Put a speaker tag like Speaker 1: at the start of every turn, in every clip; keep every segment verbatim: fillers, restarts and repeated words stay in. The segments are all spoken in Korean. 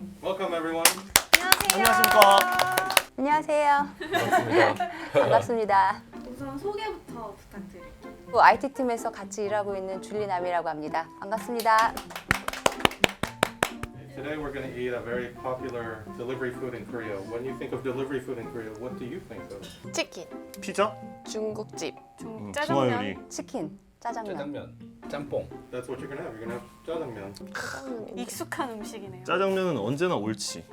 Speaker 1: Welcome everyone.
Speaker 2: 안녕하십니까.
Speaker 3: 안녕하세요.
Speaker 2: 반갑습니다.
Speaker 3: 반갑습니다.
Speaker 4: 우선 소개부터 부탁드릴게요.
Speaker 3: 아이티팀에서 같이 일하고 있는 줄리남이라고 합니다. 반갑습니다.
Speaker 1: Today we're going to eat a very popular delivery food in Korea. When you think of delivery food in Korea, what do you think of?
Speaker 5: 치킨,
Speaker 2: 피자?
Speaker 5: 중국집,
Speaker 2: 음,
Speaker 4: 짜장면.
Speaker 2: 중화요리.
Speaker 3: 치킨, 짜장면.
Speaker 6: 짜장면, 짬뽕.
Speaker 1: That's what you're going to have. You're going to have jjajangmyeon.
Speaker 5: 짜장면.
Speaker 4: 익숙한 음식이네요.
Speaker 2: 짜장면은 언제나 옳지.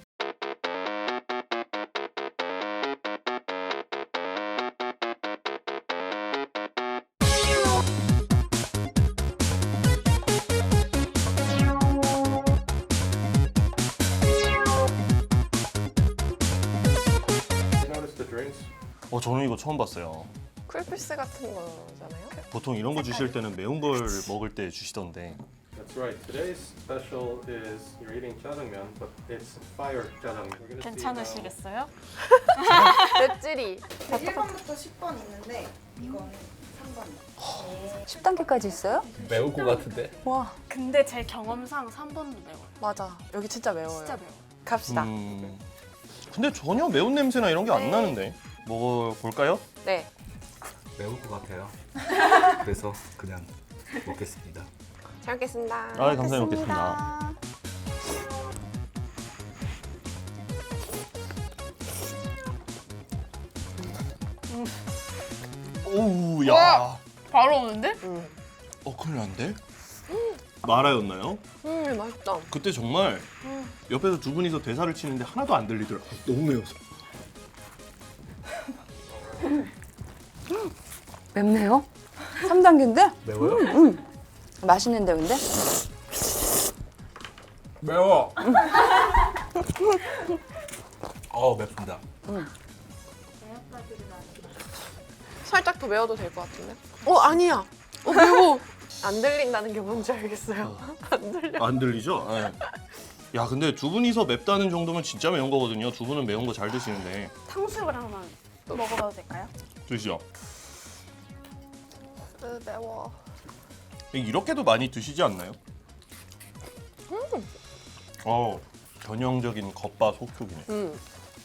Speaker 1: You notice the drinks?
Speaker 2: 어, 저는 이거 처음 봤어요.
Speaker 5: 쿨피스 같은 거잖아요.
Speaker 2: 보통 이런 거 주실 때는 매운 걸 먹을 때 주시던데.
Speaker 1: That's right. Today's special is you're eating jjajangmyeon, but it's fire jjajangmyeon. We're gonna see now-
Speaker 4: 괜찮으시겠어요?
Speaker 5: 맵찔이.
Speaker 7: 일 번부터 십 번 있는데 이거는 삼 번이요.
Speaker 3: 십 단계까지 있어요?
Speaker 6: 매울 것 같은데?
Speaker 3: 와.
Speaker 4: 근데 제 경험상 삼 번도 매워요.
Speaker 5: 맞아. 여기 진짜 매워요.
Speaker 4: 진짜 매워.
Speaker 5: 갑시다.
Speaker 2: 음. 근데 전혀 매운 냄새나 이런 게 안
Speaker 5: 네.
Speaker 2: 나는데. 먹어볼까요?
Speaker 5: 네.
Speaker 6: 매울 것 같아요. 그래서 그냥 먹겠습니다.
Speaker 5: 잘 먹겠습니다.
Speaker 2: 아, 감사히 먹겠습니다. 오우, 야.
Speaker 4: 바로 오는데?
Speaker 5: 음,
Speaker 2: 어, 큰일 난데? 마라였나요?
Speaker 5: 음 맛있다.
Speaker 2: 그때 정말 옆에서 두 분이서 대사를 치는데 하나도 안 들리더라고요. 너무 매워서.
Speaker 3: 맵네요. 삼 단계인데?
Speaker 6: 매워요?
Speaker 3: 맛있는데 근데?
Speaker 6: 매워. 어 맵습니다.
Speaker 5: 살짝 더 매워도 될 것 같은데? 어 아니야. 어 매워. 안 들린다는 게 뭔지 알겠어요. 안 들려.
Speaker 2: 안 들리죠? 네. 야, 근데 두 분이서 맵다는 정도면 진짜 매운 거거든요. 두 분은 매운 거 잘 드시는데.
Speaker 4: 탕수육을 하나만 먹어봐도 될까요?
Speaker 2: 드시죠?
Speaker 5: 으, 매워.
Speaker 2: 이렇게도 많이 드시지 않나요? 어, 전형적인 겉바 속촉이네.
Speaker 5: 음.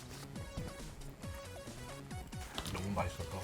Speaker 6: 너무 맛있어서.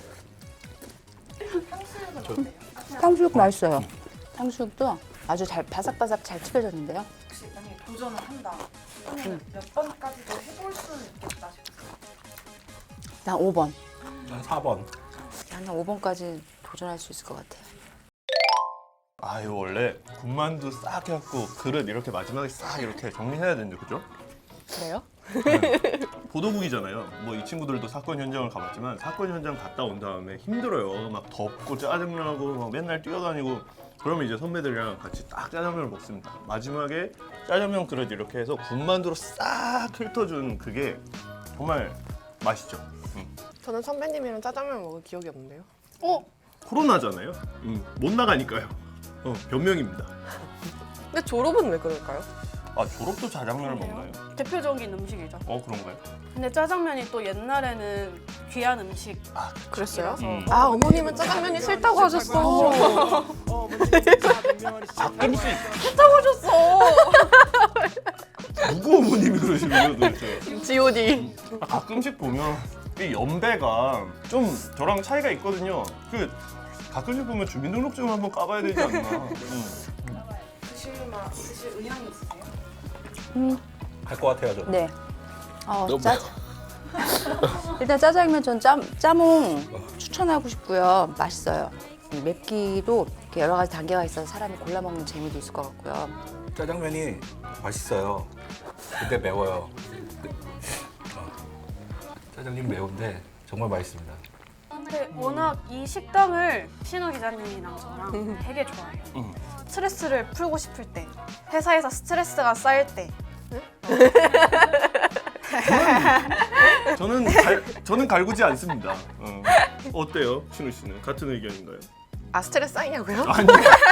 Speaker 7: 탕수육은 어때요?
Speaker 3: 탕수육 맛있어요. 탕수육도 아주 잘 바삭바삭 잘 튀겨졌는데요.
Speaker 7: 혹시 만약에 도전을 한다 그러면 몇 번까지도 해볼 수는 있겠다 싶어요.
Speaker 3: 난 오 번.
Speaker 6: 난 사 번.
Speaker 3: 나는 오 번까지 도전할 수 있을 것 같아요.
Speaker 2: 아유, 원래 군만두 싹 해갖고 그릇 이렇게 마지막에 싹 이렇게 정리해야 되는데, 그죠?
Speaker 5: 그래요?
Speaker 2: 보도국이잖아요. 뭐 이 친구들도 사건 현장을 가봤지만 사건 현장 갔다 온 다음에 힘들어요. 막 덥고 짜증나고 막 맨날 뛰어다니고 그러면 이제 선배들이랑 같이 딱 짜장면을 먹습니다. 마지막에 짜장면 그릇 이렇게 해서 군만두로 싹 훑어준 그게 정말 맛있죠. 음.
Speaker 5: 저는 선배님이랑 짜장면 먹은 기억이 없는데요.
Speaker 4: 어?
Speaker 2: 코로나잖아요. 음, 못 나가니까요. 어, 변명입니다.
Speaker 5: 근데 졸업은 왜 그럴까요?
Speaker 2: 아, 졸업도 짜장면을 먹나요?
Speaker 4: 대표적인 음식이죠.
Speaker 2: 어, 그런가요?
Speaker 4: 근데 짜장면이 또 옛날에는 귀한 음식.
Speaker 5: 그랬어요?
Speaker 2: 음.
Speaker 5: 아 어머님은 짜장면이 싫다고 하셨어.
Speaker 2: 가끔씩
Speaker 5: 싫다고 하셨어.
Speaker 2: 누구 어머님이 그러시는 거예요, 도대체?
Speaker 5: 지오디.
Speaker 2: 아, 가끔씩 보면 이 연배가 좀 저랑 차이가 있거든요. 그 가끔씩 보면 주민등록증을 한번 까봐야 되지 않나. 음.
Speaker 7: 드실 맛, 드실 의향이 있으세요?
Speaker 6: 갈 것 같아요 저.
Speaker 3: 네. 어,
Speaker 6: 너무
Speaker 3: 짜... 일단 짜장면 전 짜, 짜몽 추천하고 싶고요. 맛있어요. 맵기도 이렇게 여러 가지 단계가 있어서 사람이 골라 먹는 재미도 있을 것 같고요.
Speaker 6: 짜장면이 맛있어요. 근데 매워요. 어. 짜장면 매운데 정말 맛있습니다.
Speaker 4: 근데 워낙 이 식당을 신우 기자님이랑 저랑 되게 좋아해요.
Speaker 2: 음.
Speaker 4: 스트레스를 풀고 싶을 때, 회사에서 스트레스가 쌓일 때
Speaker 2: 저는 갈, 저는 갈구지 않습니다. 어. 어때요, 신우 씨는 같은 의견인가요?
Speaker 5: 아 스트레스 쌓이냐고요?
Speaker 2: 아니.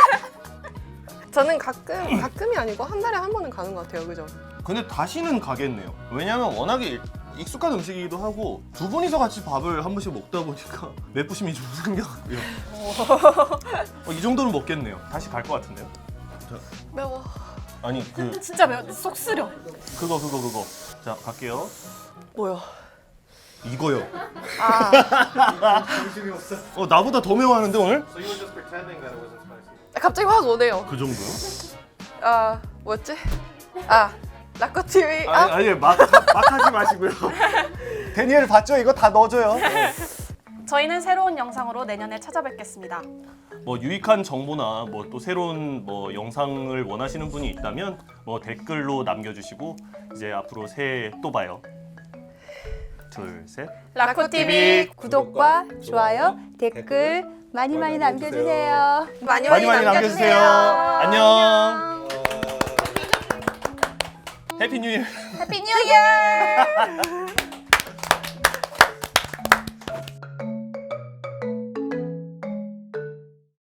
Speaker 5: 저는 가끔 가끔이 아니고 한 달에 한 번은 가는 것 같아요. 그죠?
Speaker 2: 근데 다시는 가겠네요. 왜냐면 워낙에 익숙한 음식이기도 하고 두 분이서 같이 밥을 한 번씩 먹다 보니까 맵부심이 좀 생겨가고요. 어, 이 정도는 먹겠네요. 다시 갈 것 같은데요.
Speaker 5: 매워.
Speaker 2: 아니 그
Speaker 4: 진짜 매워. 속 쓰려.
Speaker 2: 그거 그거 그거. 자 갈게요.
Speaker 5: 뭐요?
Speaker 2: 이거요.
Speaker 5: 아
Speaker 1: 정신이 없어.
Speaker 2: 어 나보다 더 매워하는데 오늘?
Speaker 1: So you were just pretending that it wasn't spicy.
Speaker 5: 갑자기 확 오네요.
Speaker 2: 그 정도?
Speaker 5: 아 뭐였지? 아 라코티비.
Speaker 2: 아니
Speaker 5: 아
Speaker 2: 아니 막, 막 하지 마시고요. 데니엘 봤죠? 이거 다 넣어줘요.
Speaker 4: 저희는 새로운 영상으로 내년에 찾아뵙겠습니다.
Speaker 2: 뭐 유익한 정보나 뭐 또 새로운 뭐 영상을 원하시는 분이 있다면 뭐 댓글로 남겨주시고 이제 앞으로 새해 또 봐요. 둘 셋.
Speaker 4: 라코티비
Speaker 3: 구독과 좋아요, 댓글 많이 많이 남겨주세요.
Speaker 5: 많이
Speaker 2: 많이 많이 남겨주세요. 안녕. 해피 뉴 이어.
Speaker 3: 해피 뉴 이어!